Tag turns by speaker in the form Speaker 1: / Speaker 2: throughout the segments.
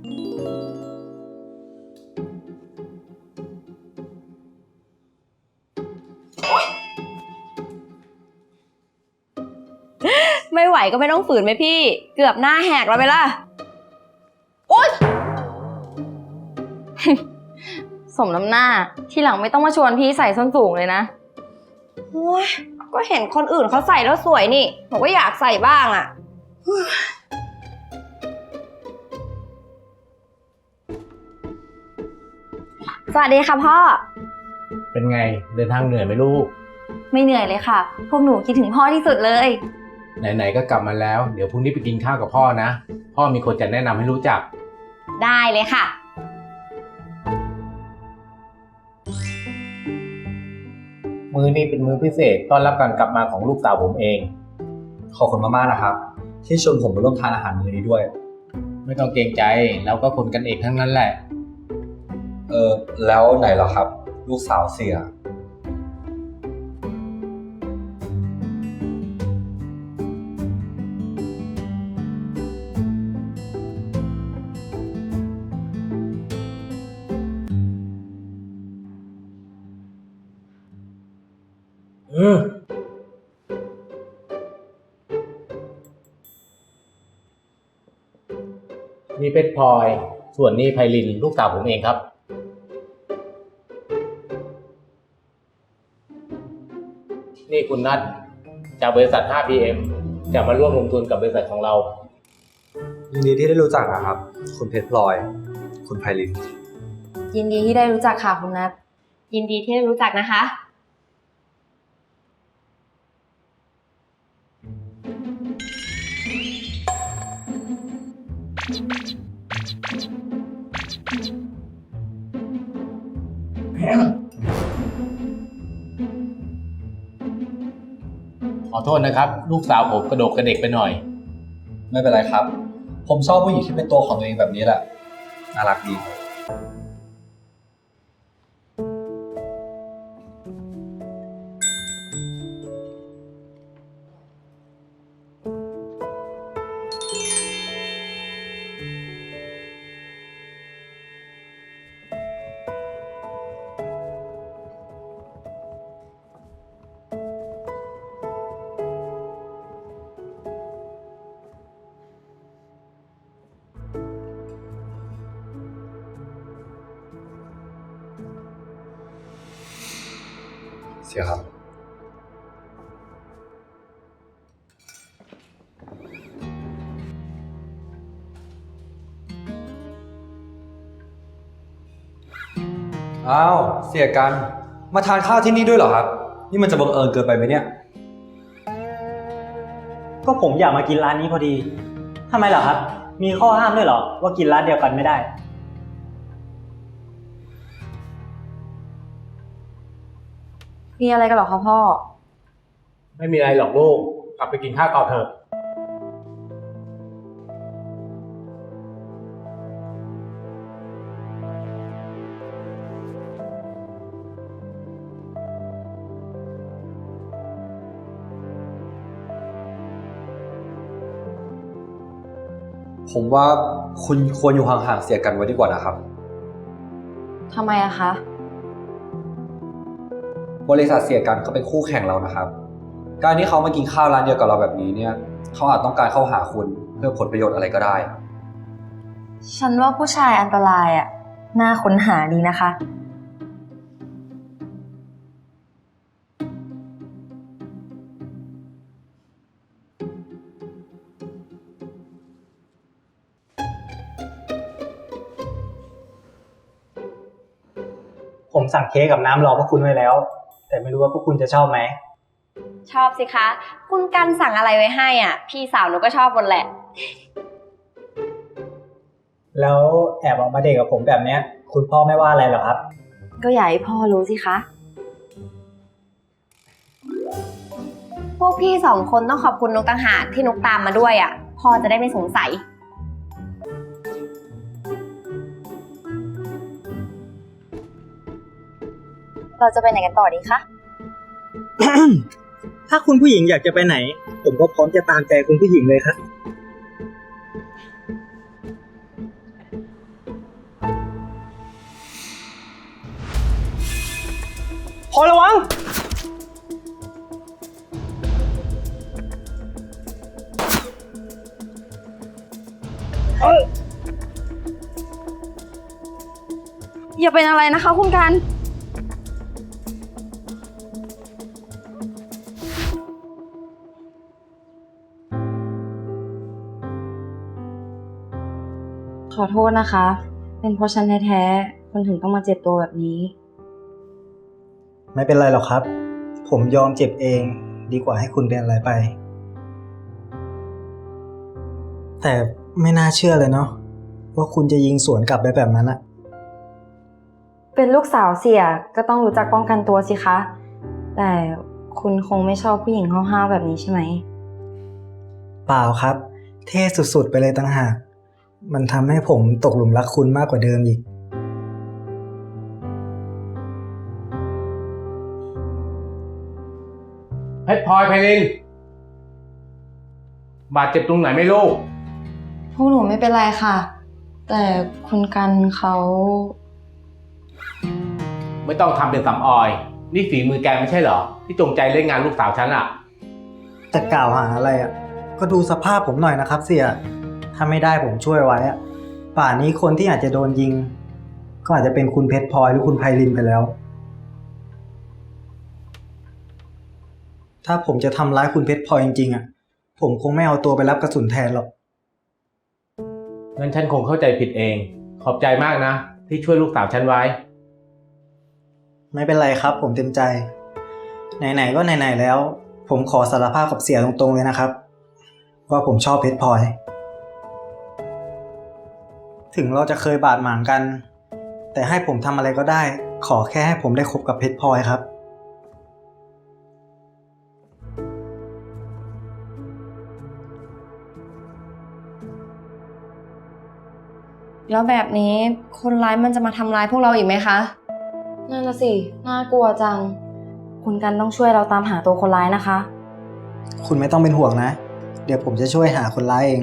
Speaker 1: ไม่ไหวก็ไม่ต้องฝืนไหมพี่เกือบหน้าแหกแล้วไปล่ะโอ๊ย สมน้ำหน้าทีหลังไม่ต้องมาชวนพี่ใส่ส้นสูงเลยนะโอ๊ยก็เห็นคนอื่นเขาใส่แล้วสวยนี่ผมก็อยากใส่บ้างอ่ะสวัสดีค่ะพ่อ
Speaker 2: เป็นไงเดินทางเหนื่อยไหมลูก
Speaker 1: ไม่เหนื่อยเลยค่ะพวกหนูคิดถึงพ่อที่สุดเลย
Speaker 2: ไหนๆก็กลับมาแล้วเดี๋ยวพรุ่งนี้ไปกินข้าวกับพ่อนะพ่อมีคนจะแนะนำให้รู้จัก
Speaker 1: ได้เลยค่ะ
Speaker 2: มื้อนี้เป็นมื้อพิเศษต้อนรับการกลับมาของลูกสาวผมเอง
Speaker 3: ขอบคุณมากๆนะครับที่ชวนผมมาร่วมทานอาหารมื้อนี้ด้วย
Speaker 2: ไม่ต้องเกรงใจเราก็คนกันเองทั้งนั้นแหละ
Speaker 3: แล้วไหนเหรอครับลูกสาวเสีย
Speaker 2: นี่เพชรพลอยส่วนนี้ไพลินลูกสาวผมเองครับนี่คุณนัทจากบริษัท 5PM จะมาร่วมลงทุนกับบริษัทของเรา
Speaker 3: ยินดีที่ได้รู้จักนะครับคุณเพชรพลอยคุณไพลิน
Speaker 1: ยินดีที่ได้รู้จักค่ะคุณนัทยินดีที่ได้รู้จักนะคะ
Speaker 2: ขอโทษนะครับลูกสาวผมกระโดดกระเด็กไปหน่อย
Speaker 3: ไม่เป็นไรครับผมชอบผู้หญิงที่เป็นตัวของตัวเองแบบนี้แหละน่ารักดีเสียครับอ้าวเสียกันมาทานข้าวที่นี่ด้วยเหรอครับนี่มันจะบังเอิญเกินไปไหมเนี่ย
Speaker 4: ก็ผมอยากมากินร้านนี้พอดีทำไมเหรอครับมีข้อห้ามด้วยเหรอว่ากินร้านเดียวกันไม่ได้
Speaker 1: มีอะไรกันหรอคะพ่อ
Speaker 2: ไม่มีอะไรหรอกลูกกลับไปกินข้าวต่อเถอะ
Speaker 3: ผมว่าคุณควรอยู่ห่างๆเสียกันไว้ดีกว่านะครับ
Speaker 1: ทำไมอะคะ
Speaker 3: บริษัทเสียกันเขาเป็นคู่แข่งเรานะครับการที่เขามากินข้าวร้านเดียวกับเราแบบนี้เนี่ยเขาอาจต้องการเข้าหาคุณเพื่อผลประโยชน์อะไรก็ได้
Speaker 1: ฉันว่าผู้ชายอันตรายอะน่าค้นหาดีนะคะ
Speaker 4: ผมสั่งเค้กกับน้ำรอพวกคุณไว้แล้วแต่ไม่รู้ว่าพวกคุณจะชอบไหม
Speaker 1: ชอบสิคะคุณกันสั่งอะไรไว้ให้อ่ะพี่สาวหนูก็ชอบหมดแหละ
Speaker 4: แล้วแอบออกมาเดทกับผมแบบเนี้ยคุณพ่อไม่ว่าอะไรหรอครับ
Speaker 1: ก็อยากให้พ่อรู้สิคะพวกพี่2 คนต้องขอบคุณนุกต่างหากที่นุกตามมาด้วยอ่ะพ่อจะได้ไม่สงสัยเราจะไปไหนกันต่อดีคะ
Speaker 4: ถ้าคุณผู้หญิงอยากจะไปไหนผมก็พร้อมจะตามใจคุณผู้หญิงเลยครับพอระวัง
Speaker 1: อย่าเป็นอะไรนะคะคุณกัน ขอโทษนะคะ เป็นเพราะฉันแท้ๆคุณถึงต้องมาเจ็บตัวแบบนี้
Speaker 5: ไม่เป็นไรหรอกครับ ผมยอมเจ็บเองดีกว่าให้คุณเป็นอะไรไป แต่ไม่น่าเชื่อเลยเนาะว่าคุณจะยิงสวนกลับไปแบบนั้นอะ
Speaker 1: เป็นลูกสาวเสียก็ต้องรู้จักป้องกันตัวสิคะ แต่คุณคงไม่ชอบผู้หญิงห้าวๆแบบนี้ใช่ไหม
Speaker 5: เปล่าครับ เท่สุดๆไปเลยต่างหากมันทำให้ผมตกหลุมรักคุณมากกว่าเดิมอีก
Speaker 2: เพชรพลอยไพลินบาดเจ็บตรงไหนไม่รู้
Speaker 1: พวกหนูไม่เป็นไรค่ะ แต่คุณกันเขา
Speaker 2: ไม่ต้องทำเป็นสำออย นี่ฝีมือแกไม่ใช่เหรอ ที่จงใจเล่นงานลูกสาวฉันอ่ะ
Speaker 5: จะกล่าวหาอะไรอะก็ดูสภาพผมหน่อยนะครับเสี่ยถ้าไม่ได้ผมช่วยไว้อะป่านนี้คนที่อาจจะโดนยิง ก็อาจจะเป็นคุณเพชรพลอยหรือคุณไพลินไปแล้ว ถ้าผมจะทำร้ายคุณเพชรพลอยจริงๆอะผมคงไม่เอาตัวไปรับกระสุนแทนหรอก
Speaker 2: งั้นฉันคงเข้าใจผิดเอง ขอบใจมากนะ ที่ช่วยลูกสาวฉันไว้
Speaker 5: ไม่เป็นไรครับ ผมเต็มใจ ไหนๆก็ไหนๆแล้ว ผมขอสารภาพกับเสี่ยตรงๆเลยนะครับ ว่าผมชอบเพชรพลอย ถึงเราจะเคยบาดหมางกัน แต่ให้ผมทำอะไรก็ได้ ขอแค่ให้ผมได้คบกับเพชรพลอยครับ
Speaker 1: แล้วแบบนี้คนร้ายมันจะมาทำร้ายพวกเราอีกไหมคะ นั่นน่ะสิ น่ากลัวจัง คุณกันต้องช่วยเราตามหาตัวคนร้ายนะคะ
Speaker 5: คุณไม่ต้องเป็นห่วงนะ เดี๋ยวผมจะช่วยหาคนร้ายเอง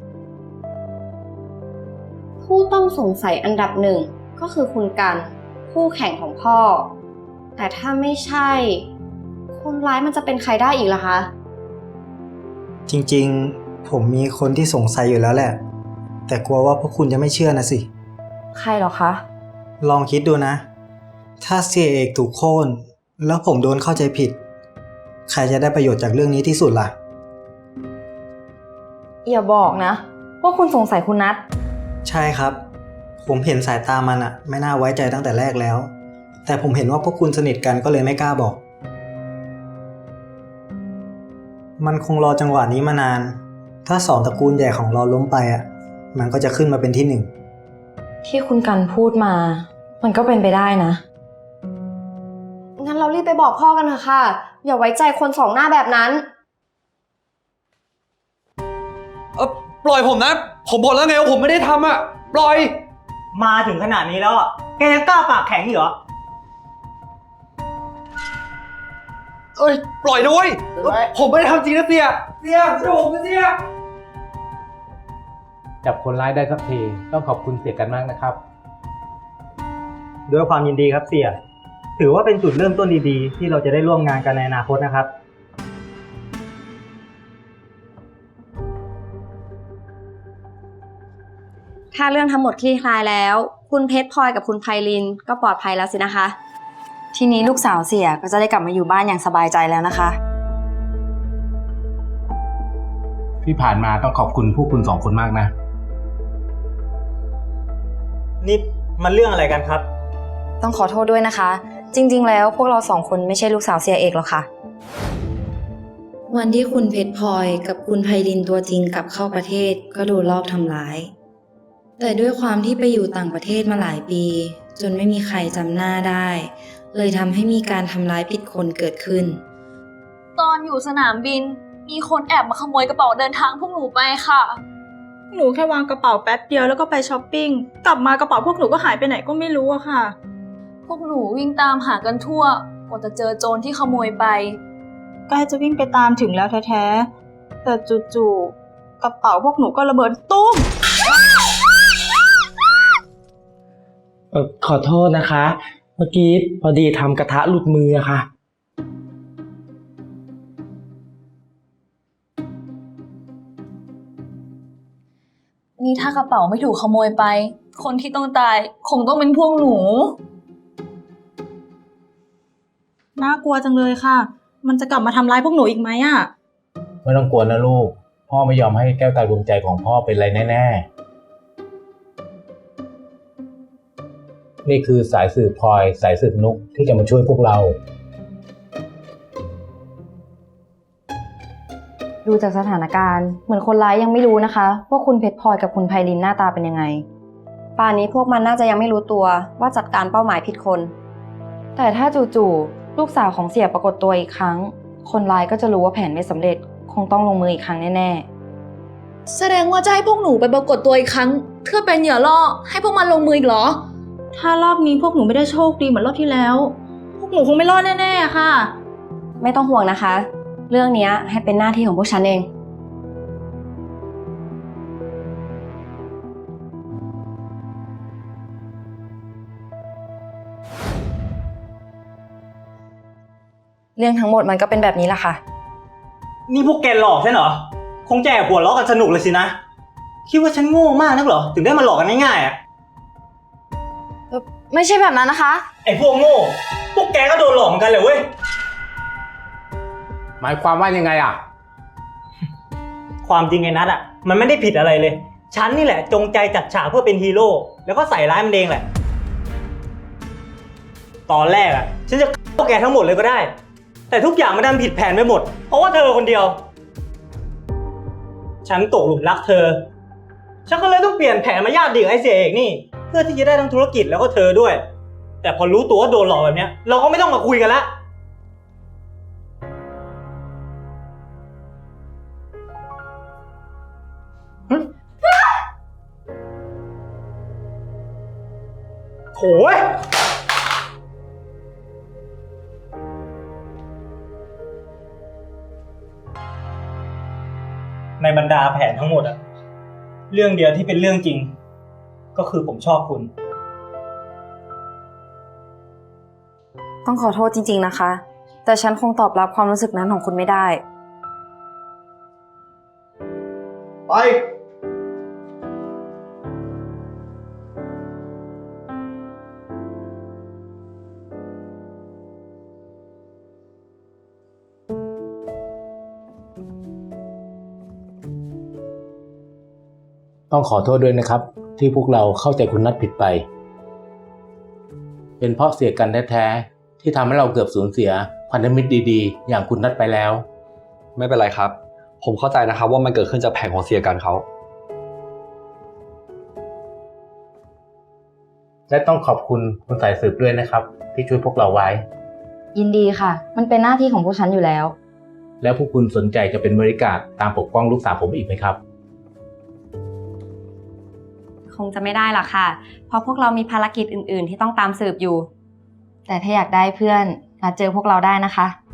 Speaker 1: ผู้ต้องสงสัยอันดับหนึ่งก็คือคุณกันคู่แข่งของพ่อ แต่ถ้าไม่ใช่ คนร้ายมันจะเป็นใครได้อีกล่ะคะ
Speaker 5: จริงๆ ผมมีคนที่สงสัยอยู่แล้วแหละ แต่กลัวว่าพวกคุณจะไม่เชื่อนะสิ
Speaker 1: ใครเหรอคะ
Speaker 5: ลองคิดดูนะ ถ้าเสียเอกถูกโค่นแล้วผมโดนเข้าใจผิด ใครจะได้ประโยชน์จากเรื่องนี้ที่สุดล่ะ
Speaker 1: อย่าบอกนะว่าคุณสงสัยคุณนัท
Speaker 5: ใช่ครับ ผมเห็นสายตามันอะไม่น่าไว้ใจตั้งแต่แรกแล้ว แต่ผมเห็นว่าพวกคุณสนิทกันก็เลยไม่กล้าบอก มันคงรอจังหวะนี้มานาน ถ้าสองตระกูลใหญ่ของเราล้มไปอะมันก็จะขึ้นมาเป็นที่หนึ่ง
Speaker 1: ที่คุณกันพูดมา มันก็เป็นไปได้นะ งั้นเรารีบไปบอกพ่อกันเถอะค่ะ อย่าไว้ใจคนสองหน้าแบบนั้น
Speaker 3: ปล่อยผมนะ ผมบอกแล้วไงว่าผมไม่ได้ทำอ่ะ ปล่อย
Speaker 4: มาถึงขนาดนี้แล้วอ่ะ แกยังกล้าปากแข็งอีกเหรอ
Speaker 3: เอ้ย ปล่อยด้วย ผมไม่ได้ทำจริงนะเสียช่วยผมนะเสีย
Speaker 2: จับคนร้ายได้สักที ต้องขอบคุณเสียกันมากนะครับ
Speaker 4: ด้วยความยินดีครับเสี่ย ถือว่าเป็นจุดเริ่มต้นดีๆ ที่เราจะได้ร่วมงานกันในอนาคตนะครับ
Speaker 1: ถ้าเรื่องทั้งหมดคลี่คลายแล้ว คุณเพชรพลอยกับคุณไพลินก็ปลอดภัยแล้วสินะคะ ทีนี้ลูกสาวเสียก็จะได้กลับมาอยู่บ้านอย่างสบายใจแล้วนะคะ
Speaker 2: ที่ผ่านมาต้องขอบคุณผู้คุณสองคนมากนะ
Speaker 4: นี่มันเรื่องอะไรกันครับ
Speaker 1: ต้องขอโทษด้วยนะคะ จริงๆ แล้วพวกเราสองคนไม่ใช่ลูกสาวเสียเอกหรอกค่ะ วันที่คุณเพชรพลอยกับคุณไพลินตัวจริงกลับเข้าประเทศก็โดนลอบทำร้าย แต่ด้วยความที่ไปอยู่ต่างประเทศมาหลายปี จนไม่มีใครจำหน้าได้ เลยทำให้มีการทำร้ายผิดคนเกิดขึ้น
Speaker 6: ตอนอยู่สนามบิน มีคนแอบมาขโมยกระเป๋าเดินทางพวกหนูไปค่ะ
Speaker 7: หนูแค่วางกระเป๋าแป๊บเดียวแล้วก็ไปช้อปปิ้ง กลับมากระเป๋าพวกหนูก็หายไปไหนก็ไม่รู้อะค่ะ
Speaker 6: พวกหนูวิ่งตามหากันทั่ว กว่าจะเจอโจรที่ขโมยไป
Speaker 7: ใกล้จะวิ่งไปตามถึงแล้วแท้ๆ แต่จู่ๆกระเป๋าพวกหนูก็ระเบิดตุ้ม
Speaker 8: ขอโทษนะคะมื่อกี้พอดีทำกระทะหลุดมืออะค่ะ
Speaker 6: นี่ถ้ากระเป๋าไม่ถูกขโมยไป คนที่ต้องตายคงต้องเป็นพวกหนู
Speaker 7: น่ากลัวจังเลยค่ะ มันจะกลับมาทำร้ายพวกหนูอีกไหมอะ
Speaker 2: ไม่ต้องกลัวนะลูก พ่อไม่ยอมให้แก้วตาดวงใจของพ่อเป็นไรแน่ๆ นี่คือสายสืบพลอยสายสืบนุกที่จะมาช่วยพวกเรา
Speaker 1: ดูจากสถานการณ์เหมือนคนร้ายยังไม่รู้นะคะว่าคุณเพชรพลอยกับคุณไพลินหน้าตาเป็นยังไง ป่านนี้พวกมันน่าจะยังไม่รู้ตัวว่าจัดการเป้าหมายผิดคน แต่ถ้าจู่ๆลูกสาวของเสี่ยปรากฏตัวอีกครั้ง คนร้ายก็จะรู้ว่าแผนไม่สำเร็จคงต้องลงมืออีกครั้งแน่ๆ
Speaker 6: แสดงว่าจะให้พวกหนูไปปรากฏตัวอีกครั้งเพื่อเป็นเหยื่อล่อให้พวกมันลงมืออีกเหรอ
Speaker 7: ถ้ารอบนี้พวกหนูไม่ได้โชคดีเหมือนรอบที่แล้ว พวกหนูคงไม่รอดแน่ๆค่ะ
Speaker 1: ไม่ต้องห่วงนะคะ เรื่องนี้ให้เป็นหน้าที่ของพวกฉันเอง เรื่องทั้งหมดมันก็เป็นแบบนี้แหละค่ะ
Speaker 4: นี่พวกแกหลอกใช่เหรอ คงจะแอบหัวเราะกันสนุกเลยสินะ คิดว่าฉันโง่มากนักเหรอ ถึงได้มาหลอกกันง่ายๆอ่ะ
Speaker 1: ไม่ใช่แบบนั้นนะคะ
Speaker 4: ไอ้พวกโง่ พวกแกก็โดนหลอกเหมือนกันเลยเว้ย
Speaker 2: หมายความว่ายังไงอ่ะ
Speaker 4: ความจริงไอ้นัทอ่ะ มันไม่ได้ผิดอะไรเลย ฉันนี่แหละจงใจจัดฉากเพื่อเป็นฮีโร่ แล้วก็ใส่ร้ายมันเองแหละ ตอนแรกอ่ะ ฉันจะพวกแกทั้งหมดเลยก็ได้ แต่ทุกอย่างมันดันผิดแผนไปหมด เพราะว่าเธอคนเดียว ฉันตกหลุมรักเธอ ฉันก็เลยต้องเปลี่ยนแผนมาญาติดีกับไอ้เสียเอกนี่ เพื่อที่จะได้ทั้งธุรกิจแล้วก็เธอด้วย แต่พอรู้ตัวว่าโดนหลอกแบบเนี้ย เราก็ไม่ต้องมาคุยกันละโถ่เว้ย ในบรรดาแผนทั้งหมดอะเรื่องเดียวที่เป็นเรื่องจริง ก็คือผมชอบคุณ
Speaker 1: ต้องขอโทษจริงๆนะคะ แต่ฉันคงตอบรับความรู้สึกนั้นของคุณไม่ได้
Speaker 3: ไป
Speaker 2: ต้องขอโทษด้วยนะครับ ที่พวกเราเข้าใจคุณนัทผิดไป เป็นเพราะเสียกันแท้ๆที่ทำให้เราเกือบสูญเสียพันธมิตรดีๆ อย่างคุณนัทไปแล้ว
Speaker 3: ไม่เป็นไรครับ ผมเข้าใจนะครับว่ามันเกิดขึ้นจากแผนของเสียกันเขา
Speaker 2: และต้องขอบคุณคุณสายสืบด้วยนะครับ ที่ช่วยพวกเราไว้
Speaker 1: ยินดีค่ะ มันเป็นหน้าที่ของพวกฉันอยู่แล้ว
Speaker 2: แล้วพวกคุณสนใจจะเป็นบริการตามปกป้องลูกสาวผมอีกไหมครับ
Speaker 1: คงจะไม่ได้หรอกค่ะ เพราะพวกเรามีภารกิจอื่นๆ ที่ต้องตามสืบอยู่ แต่ถ้าอยากได้เพื่อนมาเจอพวกเราได้นะคะ